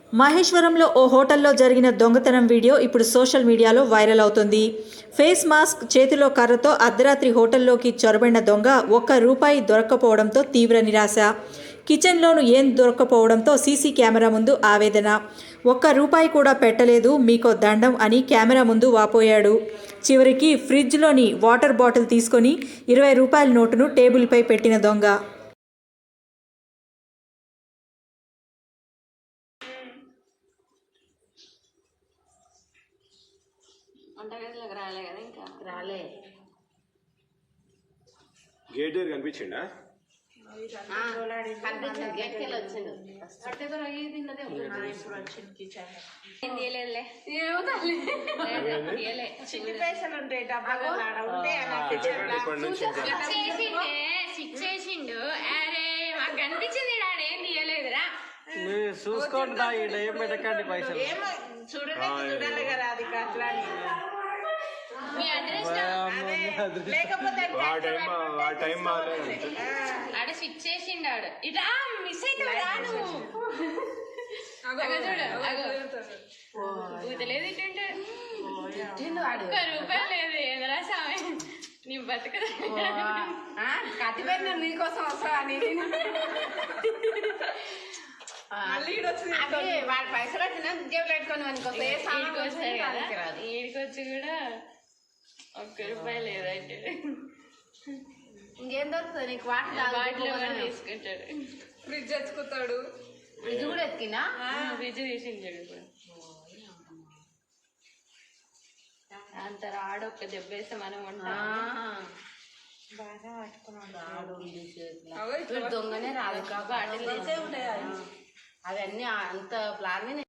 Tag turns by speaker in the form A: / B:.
A: మహేశ్వరంలో ఓ హోటల్లో జరిగిన దొంగతనం వీడియో ఇప్పుడు సోషల్ మీడియాలో వైరల్ అవుతుంది. ఫేస్ మాస్క్, చేతిలో కర్రతో అర్ధరాత్రి హోటల్లోకి చొరబడిన దొంగ ₹1 దొరక్కపోవడంతో తీవ్ర నిరాశ. కిచెన్లోనూ ఏం దొరక్కపోవడంతో సీసీ కెమెరా ముందు ఆవేదన. ₹1 కూడా పెట్టలేదు, మీకో దండం అని కెమెరా ముందు వాపోయాడు. చివరికి ఫ్రిడ్జ్లోని వాటర్ బాటిల్ తీసుకొని ₹20 నోటును టేబుల్పై పెట్టిన దొంగ.
B: వంటగదిలోకి రాలే కదా, ఇంకా
C: రాలే.
D: గేట్ దగ్గర కనిపించిండా?
C: గేట్కి వెళ్ళి వచ్చిండు.
B: పైసలు ఉంటాయి డబ్బాలు చేసిండు. అరే మాకు కనిపించింది, ఏం తీయలేదురా.
E: చూసుకోండి, ఏం పెట్టకండి పైసలు.
B: చూడాలి కదా, అది అట్లా మీ అడ్రస్ లేకపోతే ఆడ స్విచ్ చేసిండాడు. ఇట్లా మిస్ అయితే రాను. ఊతలేదు ఇటుంటే ₹1 లేదు. ఏదరా స్వామి, నీ బతుకు
C: కత్తిపోయిన నీకోసం వస్తా వాడి పైసలు వచ్చినా జేబులు పెట్టుకొని
B: వస్తాయి కదా. ఈడికొచ్చి కూడా ₹1 లేదంటే
C: ఇంకేం దొరుకుతుంది నీకు? వాటర్
B: తీసుకుంటాడు,
F: ఫ్రిడ్జ్ ఎత్తుకుతాడు.
C: ఫ్రిడ్జ్ కూడా ఎత్తికినా?
B: ఫ్రిడ్జ్ తీసించాడు. ఇప్పుడు అంత రాడు, ఒక్క దెబ్బ వేస్తే మనం
C: దొంగనే రాదు కాబట్టి అవన్నీ అంత ప్లాన్